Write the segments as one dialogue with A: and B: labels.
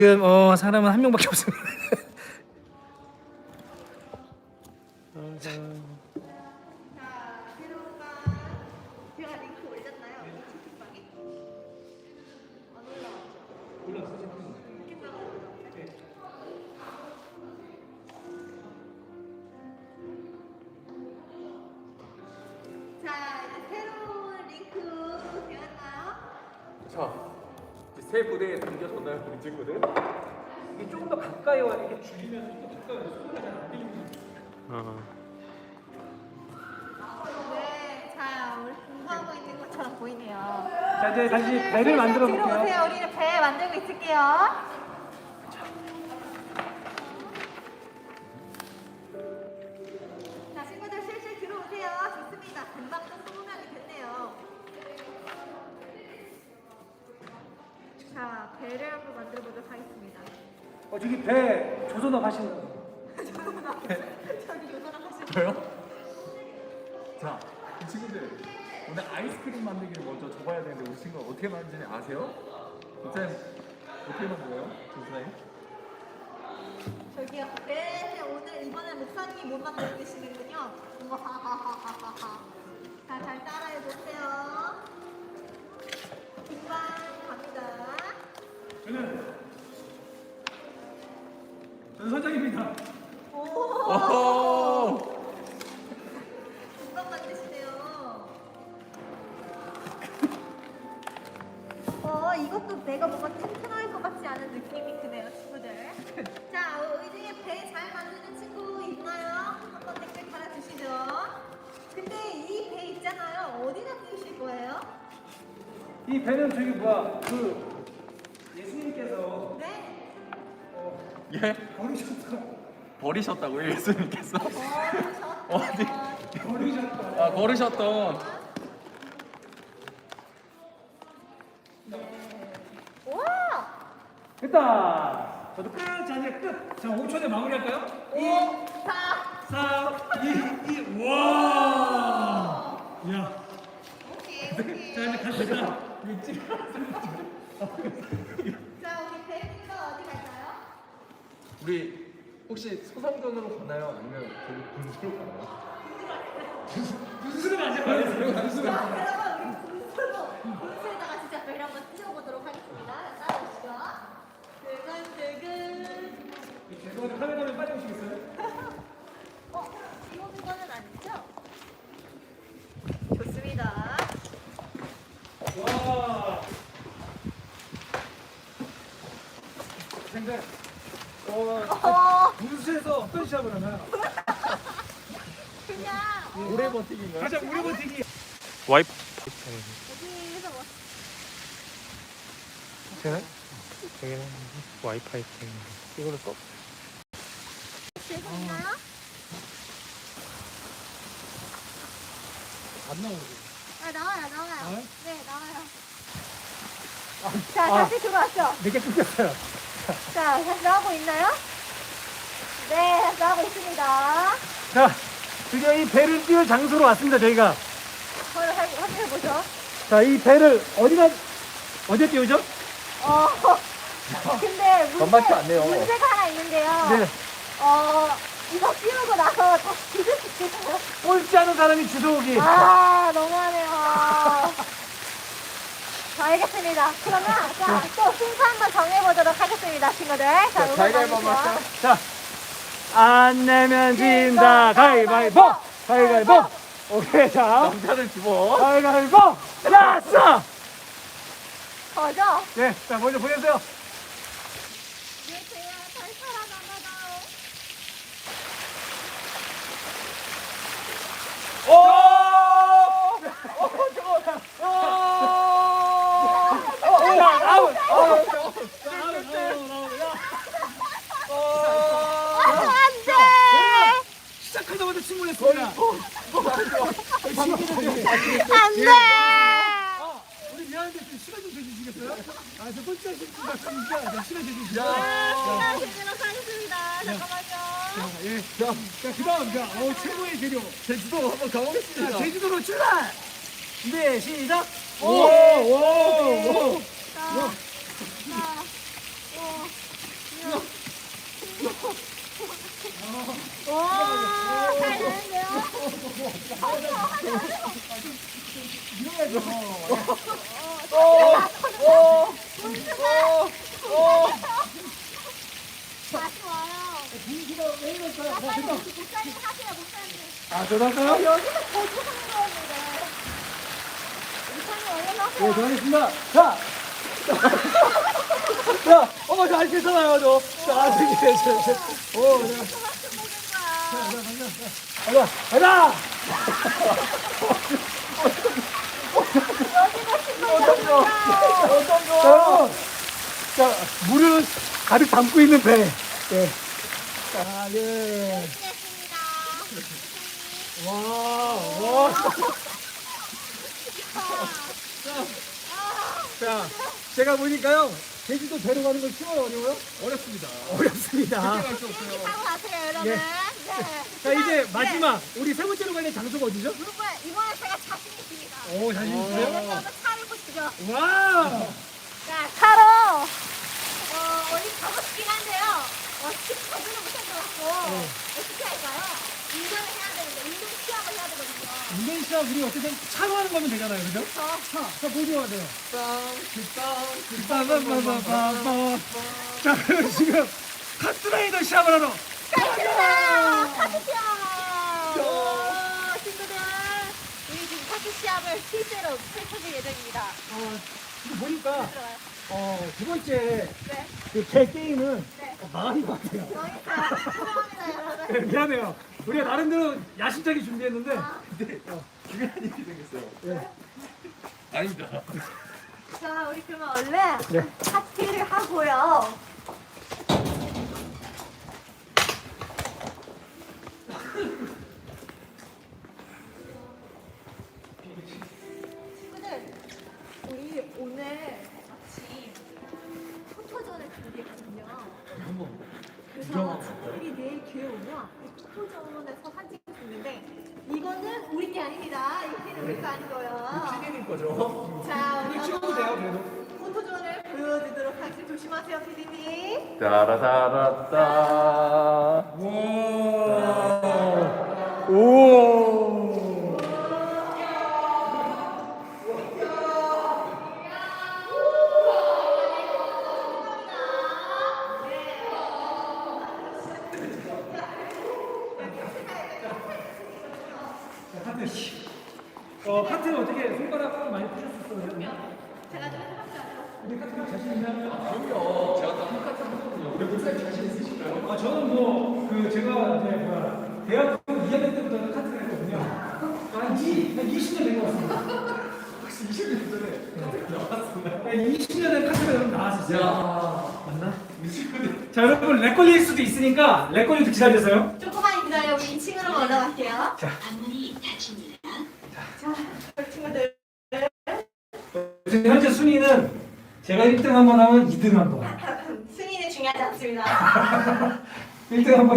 A: 지금 사람은 한 명밖에 없습니다.
B: 제가 링크 올렸나요? 이 채팅방에? 안 올라왔죠? 자, 이제 새로운 링크 되었나요?
C: 자, 이제 새 부대에 당겨졌나요, 우리 친구들?
A: 이게 조금 더 가까이 와 이렇게 줄이면서 좀 더 가까이 와서 소리가 잘 안 들리는
B: 네, 자, 우리 공부하고 있는 것처럼 보이네요.
A: 자, 이제 다시 배를 만들어
B: 뒤로
A: 볼게요.
B: 오세요. 우리는 배 만들고 있을게요. 자, 친구들 실실 들어오세요. 좋습니다. 금방 또 20명이 됐네요. 자, 배를 한번 만들어 보도록 하겠습니다.
A: 저기 배 조선업 하시는 거.
B: 저기 요거랑 하시는
C: 저요? 자, 이 친구들 오늘 아이스크림 만들기를 먼저 적어야 되는데 우리 친구가 어떻게 만드는지 아세요? 일단 어떻게 만들어요? 조사님?
B: 저기요. 네, 오늘 이번에 목사님이 못 만들고 계시는군요. 우와하하하하하. 자, 잘 따라해 보세요. 금방 갑니다.
A: 저는 선장입니다.
B: 오! 금방 만드시네요. 이것도 내가 뭔가 튼튼할 것 같지 않은 느낌이 드네요, 친구들. 자, 이 중에 배 잘 만드는 친구 있나요? 한번 댓글 달아주시죠. 근데 이 배 있잖아요. 어디다 띄우실 거예요?
A: 이 배는 저기 뭐야 그 예수님께서
B: 네?
C: 예?
A: 버리셨다.
C: 버리셨다고요, 예수님께서? 어디?
A: 버리셨다.
C: 아, 버리셨던.
B: 와!
A: 됐다. 저도 끝. 자, 이제 끝. 자, 5초에 마무리할까요?
B: 5, 4.
A: 3, 2, 1. 와. 야.
B: 오케이, 오케이.
A: 자, 이제 갑시다.
B: 자, 우리 배님은 어디 갈까요?
C: 우리 혹시 소상전으로 가나요? 아니면 저기 분수로 가나요?
A: 무슨 하지 마세요. 무슨
B: 자, 그러면 우리 분수에다가 진짜 배 한번 띄워보도록 하겠습니다. 따라오시죠. 뜨근뜨근.
A: 죄송한데 카메라맨 빠져오시겠어요?
B: 띄우는 거는 아니죠? 좋습니다.
A: 와. 생각. 분수에서 어떤 시합을 하나요?
B: 그냥
C: 오래 버티기인가요?
A: 가장 오래 버티기.
D: 와이프
B: 여기에서 뭐
D: 되나? 여기는 와이파이 때문에 이걸로 써?
B: 되셨나요?
A: 안 나오고.
B: 나와요.
A: 나와요?
B: 네, 나와요. 자, 다시 들어왔죠?
A: 내게 끊겼어요.
B: 자, 다시 나오고 있나요? 네, 다시 나오고 있습니다.
A: 자, 드디어 이 배를 띄울 장소로 왔습니다. 저희가.
B: 확인해보죠.
A: 자, 이 배를 어디에 띄우죠?
B: 근데
C: 만만치 않네요.
B: 문제가 하나 있는데요.
A: 네.
B: 이거 띄우고 나서 다시 뒤질 수 있어요.
A: 꼴찌 하는 사람이 주워오기.
B: 너무하네요. 자, 알겠습니다. 그러면 자, 또 순서 한번 정해보도록 하겠습니다, 친구들. 자, 응원
C: 가위바위보
B: 나누시죠.
C: 할까요?
A: 자, 안 내면 진다. 가위바위보. 가위바위보. 오케이, 자.
C: 남자를 집어.
A: 가위바위보. 야, 써.
B: 거죠?
A: 네, 자, 먼저 보내주세요.
B: 네, 제가 잘 살아남아요.
A: 야, 아웃.
B: 안 돼!
A: 시작하자마자 침몰했습니다.
B: 안 돼!
A: 우리 미안한데 좀 시간 좀 주시겠어요? 저 꼴찌 하시는 분 같으니까 시간 좀 주시죠.
B: 시간 되도록 하겠습니다. 잠깐만요.
A: 예. 자, 그 다음, 최고의 재료.
C: 제주도 한번
A: 자,
C: 가보겠습니다.
A: 제주도로 출발! 네, 시작!
C: 오!
B: 자, 자, 오.
A: 됐다.
B: 목사님 하세요, 목사님.
A: 아, 저도 할까요?
B: 여기서 거주하는 거였는데. 목사님 얼른 하세요.
A: 네, 저하겠습니다. 자! 자, 잘 괜찮아요, 저. 자, 되게, 오, 네. 가자, 가자! 자, 여러분. 자, 물을 가득 담고 있는 배. 예. 자, 예. 와, 와. 자, 제가 보니까요, 제주도 배로 가는 건 쉬워요, 어려워요?
C: 어렵습니다.
A: 어렵습니다.
C: 할수 없어요.
B: 타고 가세요, 여러분.
A: 예.
B: 네.
A: 자, 이제
B: 네.
A: 마지막, 우리 세 번째로 가는 장소가 어디죠?
B: 이번에 제가 자신 있습니다.
A: 오, 자신 있으세요?
B: 여러분 차를 보시죠.
A: 와!
B: 자, 차로 어디 가보시긴 한데요. 지금 가지는 못할 것 같고 어떻게 할까요? 운전을 해야 되는데 운전 시합을 해야 되거든요.
A: 인도네시아 우리 어쨌든 차로 하는 거면 되잖아요, 그죠? 자, 보여줘야 돼요. 빠바바바바바. 자, 그럼 지금 카트라이더 시합을 하러.
B: 가자! 카트 시합! 오, 친구들, 우리 지금 카트 시합을 실제로 펼쳐질 예정입니다.
A: 지금 보니까,
B: 들어가요.
A: 두 번째
B: 네.
A: 그 개 게임은
B: 네.
A: 망한 것 같아요.
B: 여기서 죄송합니다, 여러분.
A: 네, 미안해요. 우리가 나름대로 야심차게 준비했는데,
C: 중요한 일이 생겼어요.
A: 예.
C: 아닙니다.
B: 자, 우리 그러면 원래
A: 네.
B: 파티를 하고요. 친구들, 우리 오늘 아침 포토존을 준비했거든요. 그래서 우리 내일 기회 오면 이 포토존에서 사진 찍는데 이거는 우리 게 아닙니다. 이 피는 우리 거 아닌 거예요.
C: 피디님 거죠?
B: 자, 우리
A: 찍어도 돼요, 그래도.
B: 포토존을 보여드리도록 하겠습니다. 조심하세요, 피디님.
C: 따라따라따.
A: 오! 카트 어떻게 손가락 많이 푸셨었어요?
B: 제가 좀 해봤죠.
A: 우리 카트가 자신 있나요?
C: 그럼요. 제가 또 한카트 하거든요. 우리 목사님 자신 있으실까요?
A: 저는 뭐, 제가 이제 대학교 2학년 때부터 카트를 했거든요. 한 20년 된 것 같습니다.
C: 혹시 20년 전에 나왔었나요?
A: 20년 된 카트가 여러분 나왔었어요.
C: 야,
A: 맞나?
C: 20년.
A: 자, 여러분, 렉 걸릴 수도 있으니까, 렉 걸릴 때 기다려주세요.
B: 조금만 기다려. 우리 2층으로 올라갈게요.
A: 자.
B: 안문이 닫힙니다. 자, 우리 친구들.
A: 현재 순위는 제가 1등 한 번 하면 2등 한 번.
B: 승인은 중요하지 않습니다.
A: 1등 한 번.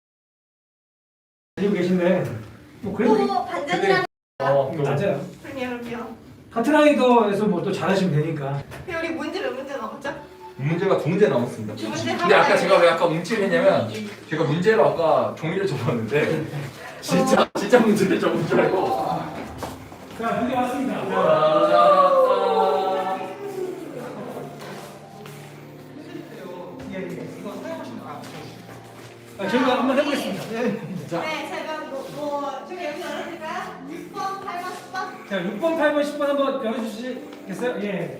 A: 가지고 계신데, 뭐, 그래도.
B: 또 반전이라는
A: 맞아요.
B: 그럼요.
A: 카트라이더에서 뭐 또 잘하시면 되니까.
B: 근데 우리 문제 몇 문제 남았죠?
C: 문제가 두 문제 남았습니다.
B: 두 문제
C: 근데 아까
B: 하나에-
C: 제가 왜 아까 움찔 했냐면 제가 문제를 아까 종이를 접었는데 진짜 문제를 접은 줄 알고
A: 자, 문제 왔습니다. 저희가 한번 해보겠습니다.
B: 네, 제가 좀 여기 열어드릴까요? 6번, 8번, 10번.
A: 자, 6번, 8번, 10번 한번 열어주시겠어요? 예.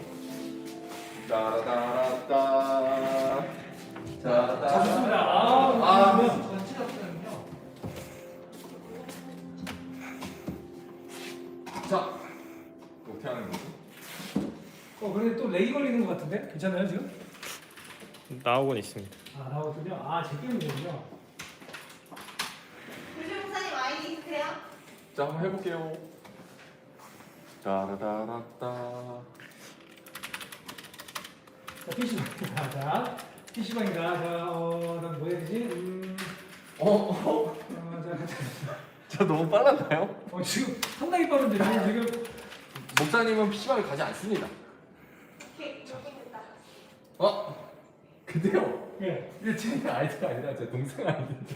C: 따라따라따.
A: 자, 좋습니다. 그러면
C: 자, 어떻게 하는 거지?
A: 근데 또 렉이 걸리는 것 같은데? 괜찮아요, 지금?
D: 나오곤 있습니다.
A: 나오거든요. 제 게임이군요.
B: 우리 목사님 아이디 있으세요?
C: 자, 한번 해볼게요. 따라따라따.
A: 자, PC방이다. 자, PC방이다. 자, 난 뭐 해야 되지?
C: 저 너무 빨랐나요?
A: 지금 상당히 빠른데, 지금.
C: 목사님은 PC방에 가지 않습니다.
B: 오케이, 여기 됐다.
C: 근데요,
A: 예.
C: 이게 제 아이디가 아니라 제 동생 아이디인데.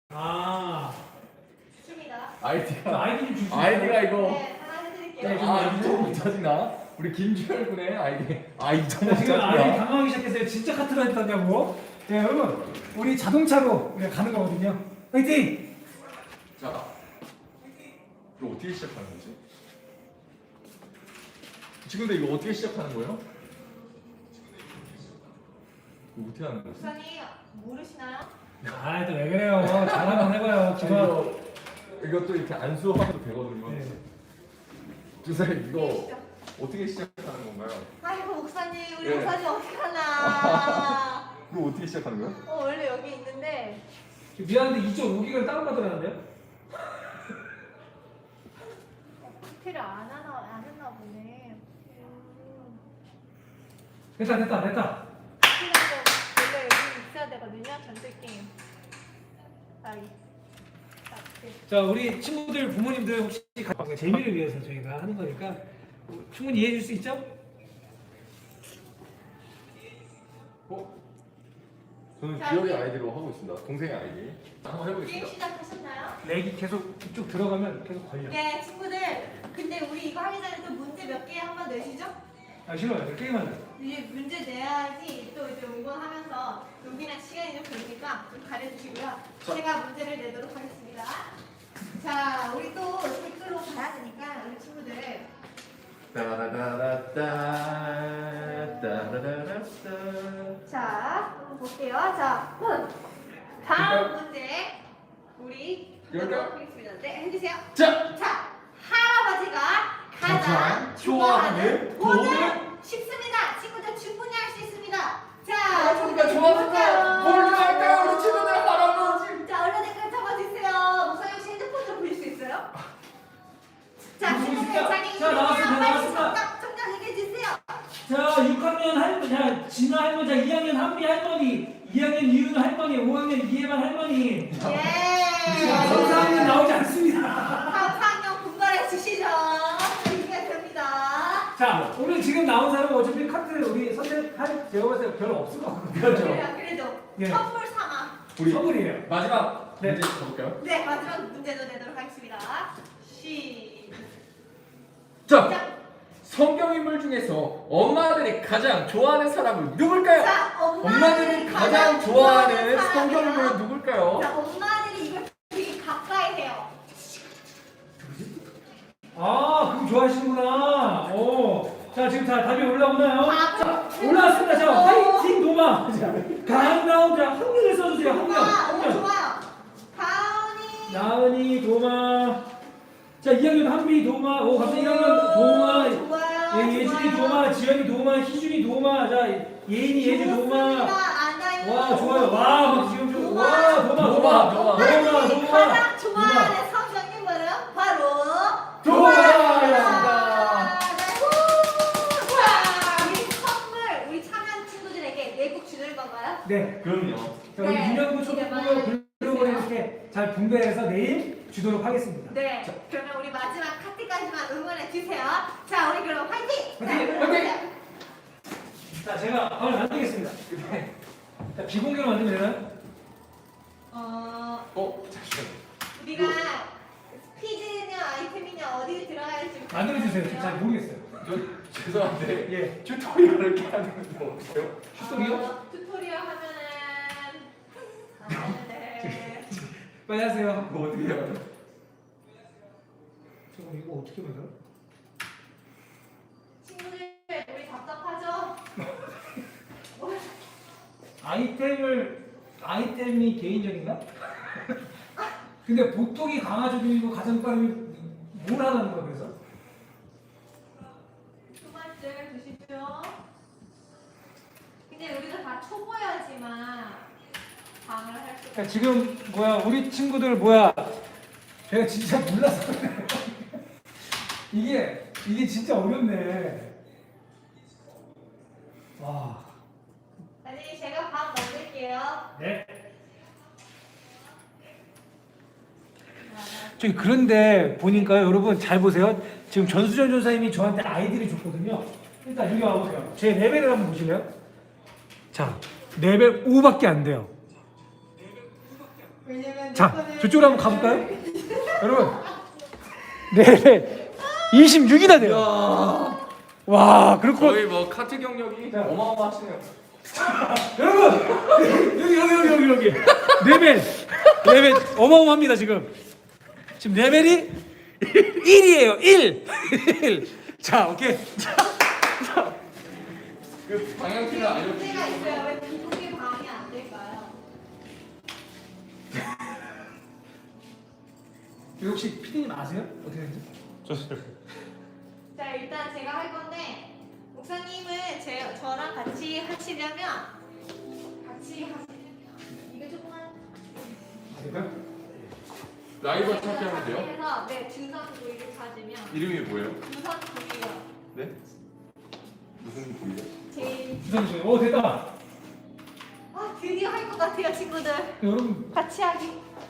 B: 좋습니다.
C: 아이디가
A: 아이디 좀 주시죠.
C: 아이디가 이거.
B: 네, 하나 해드릴게요.
A: 네,
C: 이거 못 찾으나? 우리 김주열 군의 아이디. 이거 못
A: 지금 아이디
C: 찾으나?
A: 당황하기 시작했어요. 진짜 카트라 했다냐고. 네, 여러분. 우리 자동차로 우리가 가는 거거든요. 화이팅!
C: 자, 이거 어떻게 시작하는 거지? 친구들 이거 어떻게 시작하는 거예요? 이거 어떻게 하는 거지?
B: 목사님 모르시나요?
A: 아, 또 왜 그래요? 잘 한번 해봐요. 기본.
C: 이것도 이렇게 안수하면 되거든요.
A: 네.
C: 주사님 이거 어떻게 시작하는 건가요?
B: 아이고 목사님 우리
C: 네.
B: 목사님 어떻게 하나?
C: 이거 어떻게 시작하는 거예요?
B: 원래 여기 있는데
A: 미안한데 2.5기가 다운받으라는데요?
B: 컴퓨터를 안 했나 보네.
A: 됐다.
B: 원래 여기 있어야 되거든요. 전술 게임.
A: 자, 우리 친구들, 부모님들 혹시 재미를 위해서 저희가 하는 거니까 충분히 이해해 줄 수 있죠?
C: 어? 저는
B: 자,
C: 기열이
B: 이제-
C: 아이디로 하고 있습니다. 동생의 아이디. 한번
B: 게임
C: 해보겠습니다.
B: 시작하셨나요?
A: 렉이 계속 쭉 들어가면 계속 걸려.
B: 네 친구들. 근데 우리 이거 하기 전에 또 문제 몇 개 한번 내시죠?
A: 아, 싫어요. 게임하는 거.
B: 이제 문제 내야지 또 이제 응원하면서 여기랑 시간이 좀 걸리니까 좀 가려주시고요. 제가 문제를 내도록 하겠습니다. 자, 우리 또 댓글로 봐야 되니까 우리 친구들. 자, 한번 볼게요. 자, 다음 문제 우리
C: 열까요?
B: 하겠습니다. 네, 해주세요.
C: 자,
B: 자, 할아버지가 가장
C: 가장
B: 좋아하는
C: 좋아하는
B: 돈은
C: 돈은?
B: 쉽습니다. 친구들 충분히 할 수 있습니다. 자,
C: 할아버지가 좋아하는 뭘 좋아할까요? 우리 친구들 할아버지.
B: 자, 얼른 댓글 적어주세요. 목사님 혹시 핸드폰 좀 보실 수 있어요? 자, 친구들 자기
A: 자, 나왔습니다.
B: 빨리
A: 나왔습니다.
B: 정답 얘기해 주세요.
A: 자, 6학년 할머니, 자, 진아 할머니, 자, 2학년 한비 할머니, 2학년 이윤 할머니, 5학년 이해만 할머니. 자,
B: 예.
A: 4학년 나오지 않습니다.
B: 다음 4학년 분발해 주시죠. 이게 됩니다.
A: 자, 오늘 지금 나온 사람은 어차피 카드 우리 선택할 제가 봤을 때 별로 없을 것 같거든요.
B: 그래도
A: 예.
B: 선물 삼아.
C: 우리
A: 선물이에요.
C: 마지막
A: 네.
C: 문제 가볼까요?
B: 네, 마지막 문제도 내도록 하겠습니다. 시작.
C: 자, 성경인물 중에서 엄마들이 가장 좋아하는 사람은 누굴까요?
B: 자,
C: 엄마들이 가장 좋아하는 성경인물은 누굴까요?
B: 자, 엄마들이 이걸 되게 가까이 해요.
A: 아, 그럼 좋아하시는구나. 오. 자, 지금 다 답이 올라오나요? 자,
B: 답은-
A: 올라왔습니다. 자,
B: 오.
A: 화이팅 도마. 자, 가은나온 자, 학년을 써주세요. 학년.
B: 오,
A: 학년.
B: 좋아요. 가은이.
A: 나은이 도마. 자, 2학년 한비 도마. 오, 갑자기 1학년 도마.
B: 좋아요.
A: 예, 예준이 도마, 지연이 도마, 희준이 도마. 자, 예인이 예주 도마. 와, 좋아요. 와, 막 지금 좀 와, 도마.
B: 엄마들이 가장 좋아하는 성경인물은 바로
C: 도마였습니다.
B: 우리 선물 우리 참여한 친구들에게 내국 주는 건가요?
A: 네.
C: 그럼요.
A: 자, 우리
B: 네.
A: 유년부,
B: 이제
A: 초등부,
B: 많이
A: 글로벌
B: 해주세요.
A: 이렇게 잘 분배해서 내일 주도록 하겠습니다.
B: 네. 그러면 우리 마지막 카트까지만 응원해 주세요. 자, 우리 그럼 화이팅!
A: 화이팅!
B: 자,
C: 화이팅!
A: 자, 제가 밥을 만들겠습니다. 자, 비공개로 만들면 되나요?
C: 잠시만요.
B: 우리가 스피드냐 아이템이냐 어디에 들어가야 할지
A: 만들어주세요. 잘 모르겠어요.
C: 저 죄송한데
A: 예.
C: 튜토리얼을 이렇게 하는 거 어때요?
A: 튜토리얼?
B: 튜토리얼 하면은 네.
A: 빨리 하세요.
C: 그거 어떻게 해요?
A: 저 이거 어떻게 만들어?
B: 친구들 우리 답답하죠?
A: 아이템이 개인적인가? 근데 보통이 강아지이고 가장 빠르면 뭘 하는 거야 그래서?
B: 두 번째 주시죠. 근데 우리가 다 초보야지만 방을 할 수.
A: 그러니까 지금 우리 친구들 제가 진짜 몰라서 그래요. 이게 진짜 어렵네. 와.
B: 아니 제가 방 만들게요.
A: 네. 저기 그런데 보니까요 여러분 잘 보세요. 지금 전수전 전사님이 저한테 아이디를 줬거든요. 일단 여기 와보세요. 제 레벨을 한번 보실래요? 자, 레벨 5밖에 안 돼요.
B: 왜냐면
A: 자, 저쪽으로 한번 가볼까요? 여러분, 레벨 26이나 돼요. 와, 그렇고
C: 거의 뭐 카트 경력이
A: 자.
C: 어마어마하시네요.
A: 여러분 여기 레벨 레벨 어마어마합니다 지금. 지금 레벨이 1이에요. 1. 자, 오케이.
C: 그 방향키를 알려주세요.
B: 문제가 있어요. 왜 비공개 방이 안 될까요?
A: 이거 혹시 피디님 아세요? 어떻게 되는지?
B: 자, 일단 제가 할 건데 목사님은 저랑 같이 하시려면 이거 조금만
C: 라이벌 찾기 하면 돼요?
B: 해서 네, 주선 부위를 찾으면
C: 이름이 뭐예요?
B: 주선 부위요.
C: 네? 무슨 부위요?
B: 제일
A: 주선주세요. 오, 됐다.
B: 드디어 할 것 같아요, 친구들.
A: 여러분,
B: 같이 하기.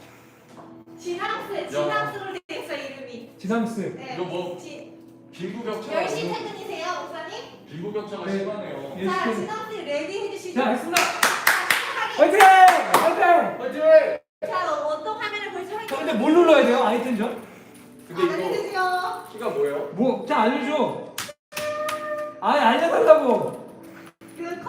B: 지남스로 되어 있어 이름이.
A: 지상스.
B: 네.
C: 이거 뭐 빈부격차가
B: 10시 퇴근이세요, 목사님?
C: 빈부격차가
A: 네.
C: 심하네요.
A: 예.
B: 자, 지남스 레디 해주시죠.
A: 자, 했습니다.
B: 하기.
A: 화이팅!
C: 화이팅!
B: 자, 어떤 화면을 볼지
A: 자, 근데 뭘 눌러야 돼요? 아이템전?
C: 근데 이거
B: 알려주세요.
C: 키가 뭐예요?
A: 뭐, 자, 알려줘. 아니, 알려달라고.
B: 그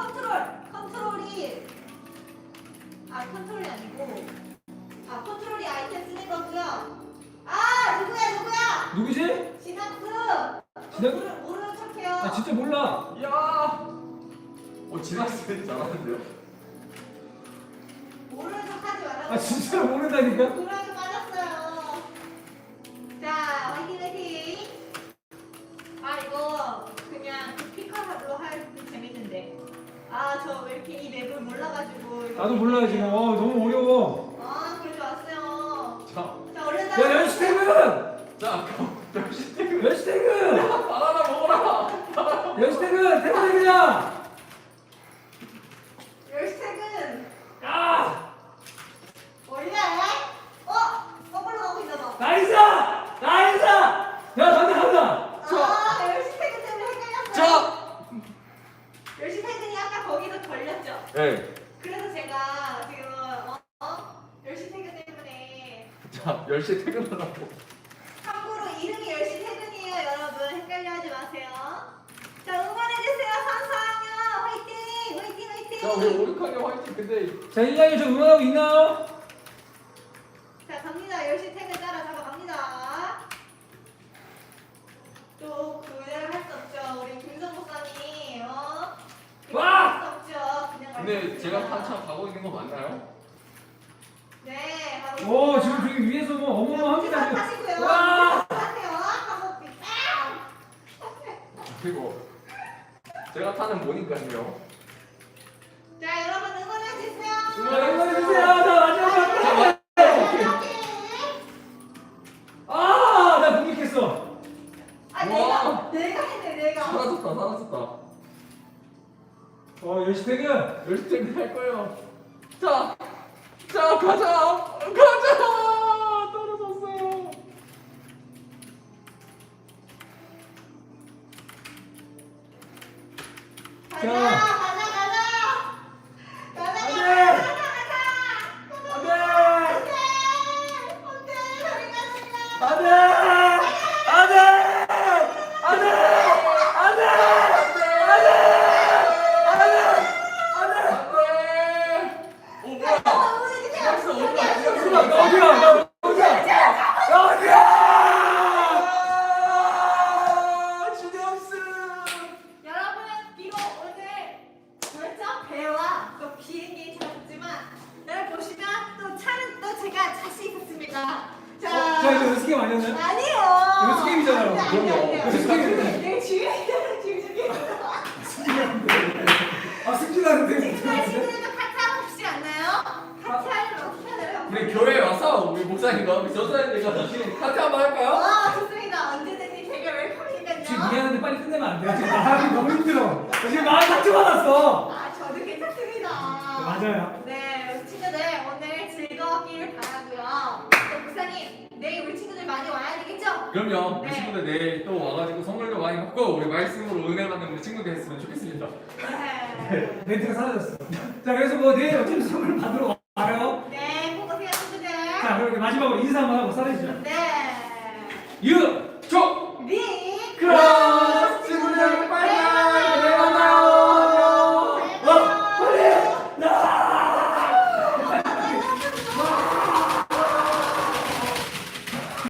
B: 컨트롤이 아니고 컨트롤이 아이템 쓰는 거고요. 누구야?
A: 누구지?
B: 지남스.
A: 지남-
B: 모르는 척해요.
A: 나 진짜 몰라.
C: 이야! 지났을 잘하는데요?
B: 모르는 척하지 말라고.
A: 아, 진짜로 모른다니까?
B: 고랑이 빠졌어요. 자, 화이팅. 이거 그냥 피카로 하면 재밌는데. 저 왜 이렇게 이 맵을 몰라가지고. 이거
A: 나도 몰라요, 지금. 너무 어려워.
B: 그러지 마세요.
C: 자,
B: 자, 얼른
A: 야, 연시태근!
C: 자, 역시 퇴근.
A: 연시태근!
C: 바나나 먹어라!
A: 연시태근! 퇴근이야!
B: 열시 퇴근.
A: 야!
B: 원래 거꾸로 가고 있나 봐.
A: 나이스! 나이스! 야, 간다!
B: 열시 퇴근 때문에 헷갈렸어요.
C: 자!
B: 열시 퇴근이 아까 거기서 걸렸죠.
C: 네.
B: 그래서 제가 지금 열시 퇴근 때문에
C: 자, 10시에 퇴근하라고.
B: 참고로 이름이 열시 퇴근이에요, 여러분. 헷갈려하지 마세요. 자, 응원해주세요, 선수학년 화이팅!
C: 자, 우리 오륙하게 화이팅. 근데
A: 자, 일량이 저 응원하고 있나요?
B: 자, 갑니다. 열시 퇴근 따라잡아 갑니다. 또 그대로 할 수 없죠. 우리 김성 목사님,
A: 와!
B: 할수 없죠. 그냥 갈
C: 근데
B: 수
C: 제가
B: 없습니다.
C: 한참 가고 있는 거 맞나요?
B: 네, 가고
A: 오,
B: 있습니다.
A: 지금 저기 위에서 뭐 어마어마합니다. 지금.
B: 하시고요.
A: 와!
B: 하세요. 하고
C: 그리고 제가 타는 모니까요.
B: 자, 여러분 응원해주세요.
A: 자, 응원해주세요. 자, 마지막. 나 공격했어.
B: 내가 했네, 내가.
C: 사라졌다.
A: 열시 퇴근.
C: 10시 퇴근할 거예요. 자, 가자! 떨어졌어요.
A: 안 돼! 안 돼! 안 돼! 안 돼!
C: 오, 뭐야? 이겼어,
A: 나 어디야?
C: 주대없음.
B: 여러분, 비록 오늘 배와 또 비행기 잡았지만 여러분 보시면 또 차는 또 제가 자신 있었습니다.
A: 자, 이거 연습 게임 아니었나요?
B: 아니에요.
A: 연습 게임이잖아요.
B: 안 돼, 안 돼, 안 돼.
A: 연습 게임인데.
B: 내 주위에
A: 승진하는데.
B: 친구들도 같이 하고 싶지 않나요? 같이 하려면 어떻게 해야 돼요?
C: 우리 교회에 와서 우리 목사님과 우리 전사님들과 같이 카트 한번 할까요?
B: 좋습니다. 언제든지 되게 웰컴이니까요.
A: 지금 미안한데 빨리 끝내면 안 돼요? 지금 말하기 너무 힘들어. 지금 마음 상처받았어.
B: 저도 괜찮습니다.
A: 맞아요.
B: 네, 친구들 오늘 즐거웠기를 바라고요. 또 목사님, 내일 우리 친구들 많이 와야 되겠죠?
C: 그럼요. 우리
B: 네.
C: 친구들 내일 또 와가지고 선물도 많이 받고 우리 말씀으로 은혜 받는 우리 친구들 했으면 좋겠습니다.
B: 네.
A: 멘트가 사라졌어. 자, 그래서 뭐 내일 어차피 선물 받으러 와요.
B: 네, 꼭 오세요, 친구들.
A: 자, 그럼 마지막으로 인사 한번 하고 사라지죠.
B: 네.
A: 유!